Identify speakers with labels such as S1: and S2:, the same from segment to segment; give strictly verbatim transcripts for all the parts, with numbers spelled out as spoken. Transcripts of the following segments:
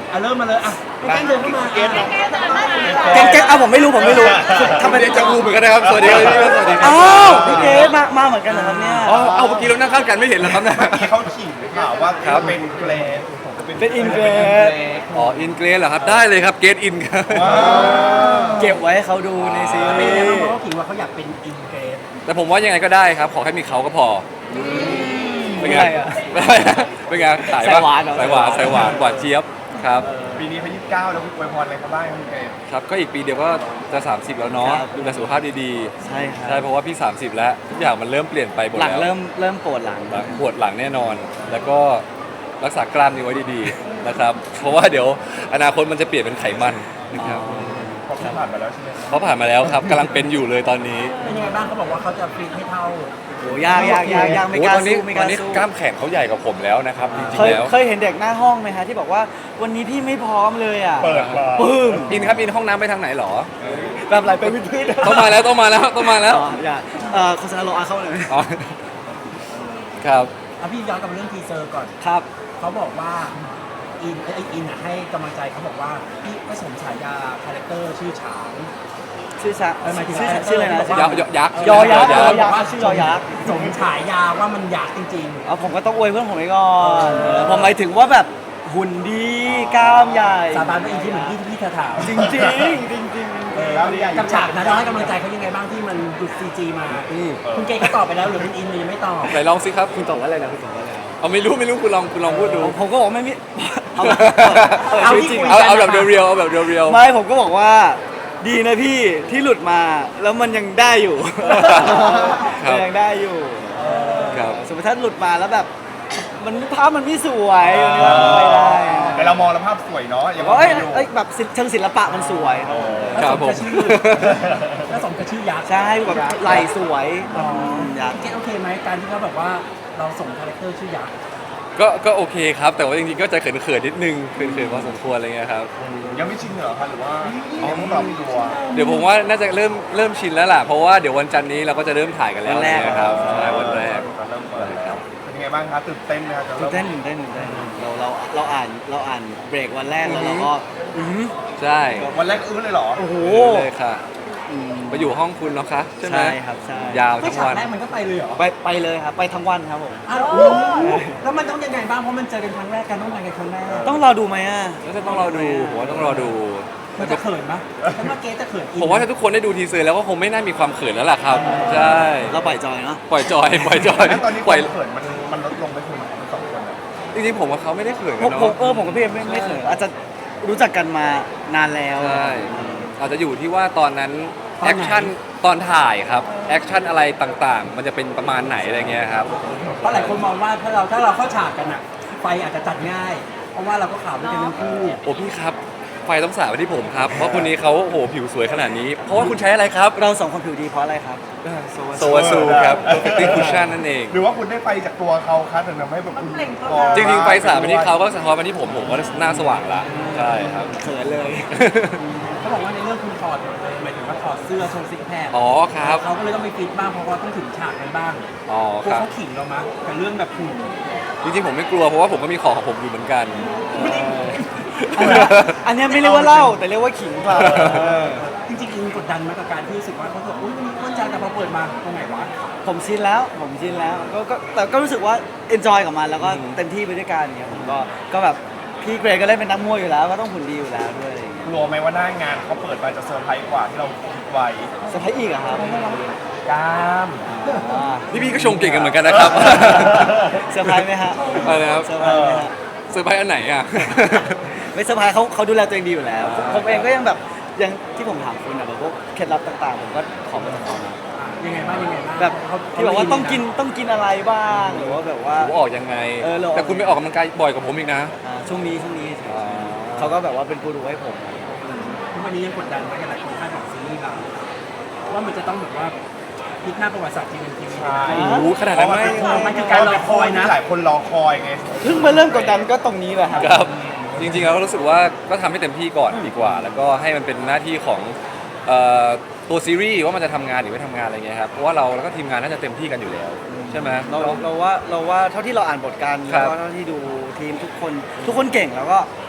S1: อ่ะเริ่มมาเลยอ่ะพี่แก้มเดินเข้ามาเกณฑ์เนาะ
S2: เก่งเก่งเอาผมไม่รู้ผมไม่รู้ทำไม
S3: เดจาวูเหมือนกันนะครับสวัสดีครับพี่สวัสดีครับ
S2: อ้าวพี่เกดมามาเหมือนกันเหรอครับเนี่ย
S3: อ๋อเอาเมื่อกี้เรานั่งข้างกันไม่เห็นเหรอครับเนี่ย
S1: ที่เขาขิงหรือเปล่าว่า
S3: ครับ
S1: เป็นเกรด
S2: เป็นอินเกรด
S3: อ๋ออินเกรสเหรอครับได้เลยครับเกรดอินครับ
S2: เก็บไว้ให้เขาดูในซี
S1: เป็น
S2: รี
S1: ยังไง
S2: ส์
S1: บ้างเพราะเขาขิงว่าเขาอยากเป็นอินเกรด
S3: แต่ผมว่ายังไงก็ได้ครับ ขอแค่มีเขาก็พอเป็นไงเป็นไงขายปะ
S2: สายหวานเหรอ
S3: สายหวานสายหวานหวานเจี๊ยบครับ
S1: ปีนี้เขายี่สิบเก้าแล้วคุณอวยพรอะไรเขาบ้างครับคุณเกรด
S3: ครับก็อีกปีเดียวก็จะสามสิบแล้วเนาะดูแลสุขภาพดี
S2: ใช่ค
S3: ๆ
S2: รั
S3: ใช่
S2: บ
S3: เพราะว่าพี่สามสิบแล้วทุกอย่างมันเริ่มเปลี่ยนไปหมด
S2: หลัง
S3: แล้ว
S2: เริ่มเริ่มปวดหลัง
S3: หลังปวดหลังแน่นอน แล้วก็รักษากล้ามเนื้อไว้ดีๆนะครับ เพราะว่าเดี๋ยวอนาคตมันจะเปลี่ยนเป็นไขมันนะครับ
S1: เขาเพิ่งผ่านมาแล้วใช่ไหม
S3: เขาผ่านมาแล้วครับกำลังเป็นอยู่เลยตอนนี้
S1: เป็นยังไงบ้างเขาบอกว่าเขาจะฟิตให้เท่า
S2: โอ้ยากยากยากยากไม่
S3: โอ้
S2: กล้า
S3: ตอนนี้
S2: สู้ไม่ก
S3: ตอ
S2: ล้าน
S3: นี้
S2: สู้
S3: กล้ามแขนเขาใหญ่กว่าผมแล้วนะครับจริ
S2: เค
S3: ง
S2: ย
S3: ๆแล้ว
S2: เคยเห็นเด็กหน้าห้องไหมฮะที่บอกว่าวันนี้พี่ไม่พร้อมเลยอ่ะ
S1: เปิดมา
S2: ปึ้ม
S3: อินครับอินห้องน้ำไปทางไหนหรอ
S2: แบบไหลไปวิดพื้น
S3: ต้องมาแล้วต้องมาแล้วต้องมาแล้ว
S2: อ๋ออย่าเอ่อโฆษณาโลอาเข้าเลย
S3: อ๋อครับ
S1: เอาพี่ย้อนกลับมาเรื่องทีเซอร์ก่อน
S2: ครับ
S1: เขาบอกว่าอินไอยอินอ่ะให้กำลังใจเขาบอกว่าพี่ก็สมฉายาคาแรคเตอร์ชื่อฉาง
S2: ชื่อชะ
S1: เออหมายถึง
S2: ชื่อ
S1: ว่า
S2: ชื่ออะไรนะ
S1: บอกว่า
S3: ยักษ์ยักษ์
S2: ยอยักษ์
S3: ย
S2: ย
S3: อ
S2: อ
S3: ยั
S2: ยั
S3: ก
S2: ก
S3: ษ์
S2: ษ์ชื่อยอยักษ์
S1: สมฉายาว่ามันยักษ์จริง
S2: เอาผมก็ต้องอวยเพื่อนผมไว้ก่อนเออผมหมายถึงว่าแบบหุ่นดีกล้ามใหญ่
S1: ๆ สาบานว่าอินที่เหมือนที่ที่เธอถาม
S2: จริงจริงจริงจริง
S1: กับฉากนั้นเราให้กำลังใจเขายังไงบ้างที่มันดุดซีจีมา
S3: อืม
S1: คุณเกย์เขาตอบไปแล้วหรือคุณอินยังไม่ตอบ
S3: ไหนลองสิครับ
S2: คุณตอบว่าอะไรนะคุณตอบว่าอะไร
S3: เอาไม่รู้ไม่รู้คุณลองคุณลองพูดดู
S2: ผมผมก็บอกไม่มีเอาเออ
S1: เอา
S2: ชีวิต
S1: ที่
S2: จริง
S1: คุย
S3: เอาเอาแบบเรียวๆเอาแบบเรียว
S2: ไม่ผมก็บอกว่าดีนะพี่ที่หลุดมาแล้วมันยังได้อยู่ มันยังได้อยู่
S3: ๆครับ
S2: สมมติถ้าหลุดมาแล้วแบบ มันภาพมันไม่สวยมันก็ไม่ได้
S1: แต่เรามองแล้วภาพสวยเนาะอย่า
S2: แต่
S1: มอง
S2: ว่าเอ้ย
S1: ไม่ดู
S2: เอ้ยแบบศิลป์เชิงศิลปะมันสวย
S3: ครับผม
S1: แล้วสมกับชื่อยักษ์
S2: ใช่แบบไหลสวย
S1: อ๋อ
S2: อยาก
S1: เกย์โอเคไหมการที่เขาแบบว่าเราส่งคาแรคเตอร์ชื่อยักษ์
S3: ก็ก็โอเคครับ แต่ว่าจริงๆก็จะเขินๆนิดนึงเขินๆพอสมควรอะไรเงี้ยครับ
S1: ยังไม่ชินเหรอคะหรือว่ายังต้องปรับตัว
S3: เดี๋ยวผมว่าน่าจะเริ่มเริ่มชินแล้วล่ะเพราะว่าเดี๋ยววันจันทร์นี้เราก็จะเริ่มถ่ายกันแล้วนะครับใช่วันแรก
S1: เริ่มเปิดแล้วเป็นยังไงบ้างคะตื่นเต้นไหมคะ
S2: ตื่นเต้นตื่นเต้นตื่นเต้นเราเราเราอ่านเราอ่านเบรกวันแรกแล้วเราก็อือหือ
S3: ใช่
S1: วันแรกอื้อเลยเหรอ
S2: โอ้โห
S3: เลยค่ะ
S2: อืม
S3: มาอยู่ห้องคุณเนาะคะใช่ไหม
S2: ใช่ครับใช่
S3: ยาว
S1: ไม่
S3: ทั้ง
S1: ฉาก
S3: วัน
S1: แรกมันก็ไปเลยเหรอ
S2: ไปไปเลยครับไปทั้งวันครับผม
S1: อ้าวแล้วมันต้องยังไงบ้างเพราะมันเจอกันครั้งแรกกันต้องไปกันครั้งแรก
S2: ต้องรอดูไหมอ่ะ
S3: แล้วจะต้องรอดูผมว่าต้องรอดู
S1: มันจะเขินไหมถ้ามาเกย์จะเขินอิน
S3: ผมว่าถ้าทุกคนได้ดูทีเซอร์แล้วก็คงไม่น่ามีความเขินแล้วล่ะครับใช่
S2: เราปล่อยจอยเนาะ
S3: ปล่อยจอยปล่อยจอย
S1: แล้วตอนนี้ค
S3: ปล่อยว
S1: ามเขินมันมันลดลงไปคุณสองคนอะ
S3: จริงๆผมกับเขาไม่ได้เขิน
S2: ผ
S3: กั
S2: ม
S3: น
S2: ผม
S3: เนาะ
S2: เออผมกับพี่เอ็มไม่ไม่เขินอาจจะรู้จักกันมานานแล้ว
S3: ใช่อาจจะอยู่ที่ว่าตอนนั้นแอคชั่นตอนถ่ายครับแอคชั่นอะไรต่างๆ มันจะเป็นประมาณไหนอะไรเงี้ยครับ
S1: เพราะหลายคนมองว่าถ้าเราถ้าเราเข้าฉากกันอะไฟอาจจะจัดง่าย เพราะว่าเราก็ข่าวด้วยกันทั้งคู่
S3: โอ้พี่ครับไฟต้องสาดไปที่ผมครับเพราะคนนี้เขาโอ้โหผิวสวยขนาดนี้ เพราะว่าคุณใช้อะไรครับ
S2: เราสองคนผิวดีเพราะอะไรครับ
S3: โซวาซูครับ Perfecting Cushion นั่นเอง
S1: หรือว่าคุณได้ไฟจากตัวเขาคะถึงทำให้แบบคุณ
S3: จริงๆไฟสาดไปที่เขาก็สะท้อนมาที่ผมผมก็หน้าสว่างละใช่ครับ
S2: เขินเลย
S1: เขาบอกว่าในเรื่องคุณถอดหมายถึงว่าถอดเสื้อโชว์ซิกแพค
S3: อ๋อครับ
S1: เขาก็เลยต้องไปฟิตบ้างเพราะว่าต้องถึงฉากกันบ้าง
S3: อ๋อก
S1: ลัว
S3: ครับ
S1: เขาขิงเรามั้ยกับเรื่องแบบหุ่น
S3: จริงๆผมไม่กลัวเพราะว่าผมก็มีของของผมอยู่เหมือนกัน
S2: อันเนี้ยอันเนี้ยไม่เรียกว่าเล่าแต่เรียกว่าขิงเปล่า
S1: จริงๆอินกดดันไหมกับการที่รู้สึกว่าเขาบอกอุ้ยมีอ้วนจังแต่พอเปิดมาตรงไหนวะ
S2: ผมชินแล้วผมชินแล้วก็ก็แต่ก็รู้สึกว่า enjoy กับมันแล้วก็
S3: อืม
S2: เต็มที่ไปด้วยกันเนี่ยผมก็ก็แบบพี่เกรย์ก็เล่นเป็นนักมวยอยู่แล้วก็ต้องหุ่นดีอยู่แล้วด้วยอะไรอย่างเงี้ย
S1: กลัวไหมว่าหน้างานเขาเปิดมาจะเซอร์ไพรส์กว่าที่เราคิดไว้
S2: เซอร์ไพรส์อีกอะครับ
S1: กล้าม
S2: อ่า
S3: พี่พี่ก็ชงเก่งกันเหมือนกันนะครับ
S2: เซอร์ไพรส์ไหมฮะ
S3: อะไรนะครับ
S2: เซอร์ไพรส์ไหมฮะ
S3: เซอร์ไพรส์อันไหนอ่ะ
S2: ไม่เซอร์ไพรส์เขาเขาดูแลตัวเองดีอยู่แล้ว
S3: อ่า
S2: ผมเองก็ยังแบบยังที่ผมถามคุณอะแบบพวกเคล็ดลับต่างๆผมก็ขอมาจากเขานะ
S1: ยังไงบ้างยังไงบ้าง
S2: แบบ
S1: เขา
S2: ที่บอกว่าต้องกินต้องกินอะไรบ้างหรือว่าแบบว่า
S3: ผมออกยังไง
S2: เออเราออก
S3: แต่คุณไม่ออกกำลังกายบ่อยกว่าผมอีกนะ
S2: อ่าช่วงนี้ช่วงนี้เขาก็แบบว่าเป็นกูรูให้ผม
S1: ทุกวันนี้ยังกดดันไหมกับหลายคนคาดหวังซีรีส์เราว่ามันจะต้องแบบว่าพลิกหน้าประวัติศาสตร์ทีนึงทีนึง
S3: โอ้โหขนาดนั้นไหม
S1: มันคือการรอคอยนะหลายคนรอคอยไง
S2: เพิ่งมาเริ่มกดดันก็ตรงนี้แหละครับ
S3: ครับ จริงๆแล้วรู้สึกว่าก็ทำให้เต็มที่ก่อนดีกว่า แล้วก็ให้มันเป็นหน้าที่ของเอ่อตัวซีรีส์ว่ามันจะทำงานหรือไม่ทำงานอะไรเงี้ยครับเพราะว่าเราแล้วก็ทีมงานน่าจะเต็มที่กันอยู่แล้วใช่ไหม
S2: เราเราว่าเราว่าเท่าที่เราอ่านบทกัน
S3: ครั
S2: แล้
S3: บ
S2: วก็เท่าที่ดูทีมทุกคนทุกคนเก่งแล้วก็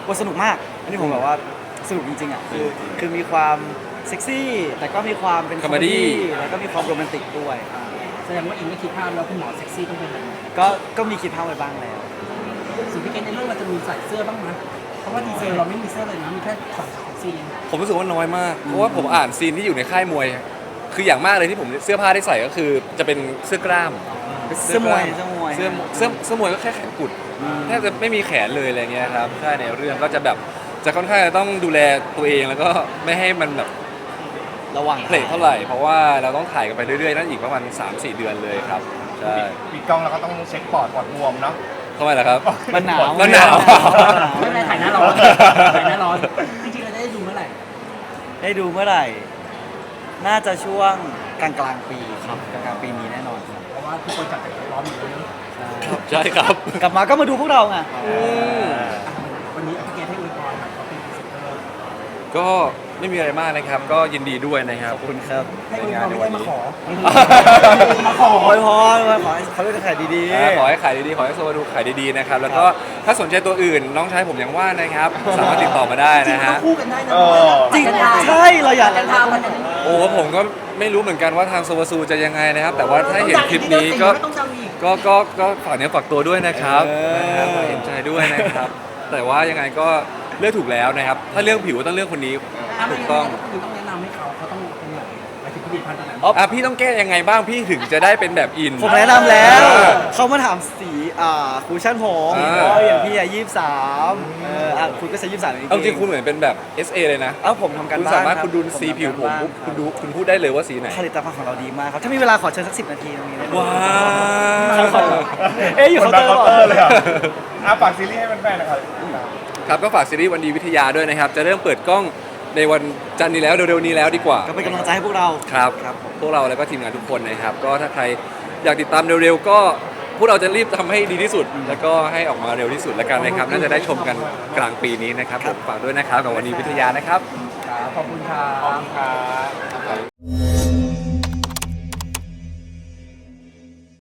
S2: บทสนุกมาก อันนี้ผมแบบว่าสนุกจริงๆอ่ะคือคือมีความเซ็กซี่ แต่ก็มีความเป็นคอมเม
S3: Comedy
S2: ดี้แล้วก็มีความโรแมนติกด้วย
S1: แสดงว่าอิงก็คิดภาพแล้วคุณหมอเซ็กซี่ต้องเป็นแบบไหน
S2: ก็ก็มีคิดภาพไว้บ้างแล้ว
S1: ส่วนพี่เกณในเรื่องเราจะมีใส่เสื้อบ้างไหมเพราะว่าดีเซลเราไม่มีเสื้อเลยนะมีแค่ถอดเซ็กซี่
S3: ผมรู้สึกว่าน้อยมาก เพราะว่าผมอ่านซีนที่อยู่ในค่ายมวย คืออย่างมากเลยที่ผมเสื้อผ้าได้ใส่ก็คือจะเป็นเสื้อกล้าม
S2: เสื้อมวยเสื้อมวย
S3: เสื้อเสื้อเสื้อมวยก็แค่แขนกุดแทบจะไม่มีแขนเลยอะไรเงี้ยครับใช่ในเรื่องก็จะแบบจะค่อนข้างจะต้องดูแลตัวเองแล้วก็ไม่ให้มันแบบ
S2: ระหว่าง
S3: เพลทเท่าไหร่ เพราะว่าเราต้องถ่ายกันไปเรื่อยๆนั่นอีกประมาณ สามสี่ เดือนเลยครับใช่
S4: ปิดกล้องแล้วก็ต้องเช็คปอดปอดบวมเนาะ
S3: ทำไมล่ะครับ
S2: มันหนาว
S3: มันหนาว
S1: ไม่เป็นไรถ่ายหน้าร้อนถ่ายหน้าร้อนจริงๆเราจะได้ดูเมื่อไหร่
S2: ได้ดูเมื่อไหร่ น่าจะช่วงกลางกลางๆปีครับกลางกลางๆปีนี้แน่นอนครับ
S1: เพราะว่าทุกคนจับแต่ร้อนอยู่เลยเนอะ
S3: ใช่ครับ
S2: กลับมาก็มาดูพวกเราไง
S1: วันนี้พี่เกณให้อวยพรครับเขาเป็นพรีเซนเตอร์
S3: ก็ไม่มีอะไรมากนะครับ ก็ยินดีด้วยนะครับ
S2: ขอบคุณครับ
S1: ให้อวยพรไม่ได้มาขอ
S3: ใน
S1: มาขอ
S2: โอ้ยพรโอ้ยขอให้เขาเลือกขายดี
S3: อ่าขอให้ขายดีๆ ขอให้โซบาดูขายดีๆนะครับ แล้วก็ถ้าสนใจตัวอื่นน้องชายผมยังว่างนะครับ สามารถติดต่อมาได้
S1: จริง
S3: นะ
S1: ๆต้อ
S3: ฮะ
S1: งคู่กันได้นะ
S4: เออ
S2: ๆ จริงใช่เราอยาก
S1: กันทำมันจะ
S3: โอ้ผมก็ไม่รู้เหมือนกันว่าทางโซบาซูจะยังไงนะครับ แต่ว่าถ้าเห็นคลิปนี้ก็
S1: ต้องจำอีก
S3: ก็ก็ก็ฝากเนื้อฝากตัวด้วยนะครับ
S2: เออ
S3: นะครับฝากเห็นใจด้วยนะครับ แต่ว่ายังไงก็เลือกถูกแล้วนะครับ ถ้าเรื่องผิวต้องเลือกคนนี้
S1: ถ้าไม่
S3: ถูก
S1: งั้
S3: ต้อง
S1: นคุณต้องแนะนำให้เขาเขาต้องเป็นแบบหมายถึงผลิตภัณฑ์อะไร
S3: อ่ะพี่ต้องแก้ยังไงบ้างพี่ถึงจะได้เป็นแบบอิน
S2: ผมแนะนำแล้ว
S3: เออ
S2: เขามาถามสีอ่าคูชั่นผม
S3: อ่า
S2: เพราะอย่างพี่อะยี่สิบสามเอออ่ะคุณก็ใช้ยี่สิบสาม
S3: เอาจริงคุณเหมือนเป็นแบบ เอส เอ เลยนะ
S2: เอ้าผมทำการ
S3: คุณ
S2: บ้าน
S3: สามารถ
S2: บ
S3: คุณดูสีผิวผมปุ๊บคุณดูคุณพูดได้เลยว่าสีไหน
S2: ผลิตภัณฑ์ของเราดีมากครับ ถ้ามีเวลาขอเชิญสักสิบนาทีตรงนี้ได้ไหม
S3: ว้าว
S2: เอ๊ะอยู่
S4: คน
S2: เคาน์
S4: ดั
S2: เต
S4: ง
S2: อร์
S4: เคาน์เตอร์เลยอ่ะอ่ะฝากซีรีส์ให้แฟนๆหนะครับ
S3: ครับก็ฝากซีรีส์วันดีวิทยาด้วยนะครับ จะเริ่มเปิดกล้องในวันจันทร์นี้แล้วเร็วๆนี้แล้วดีกว่า
S2: ก็เป็นกำลังใจให้พวกเรา
S3: ครับ
S2: ครับผม
S3: พวกเราแล้วก็ทีมงานทุกคนนะครับ ก็ถ้าใครอยากติดตามเร็วๆ ก็พวกเราจะรีบทำให้ดีที่สุด แล้วก็ให้ออกมาเร็วที่สุดแล้วกันนะครับ น่าจะได้ชมกันกลางปีนี้นะครับผมฝากด้วยนะครับกับวันดีวิทยานะครับ
S1: ขอบคุณครับ
S4: ขอบคุณครับ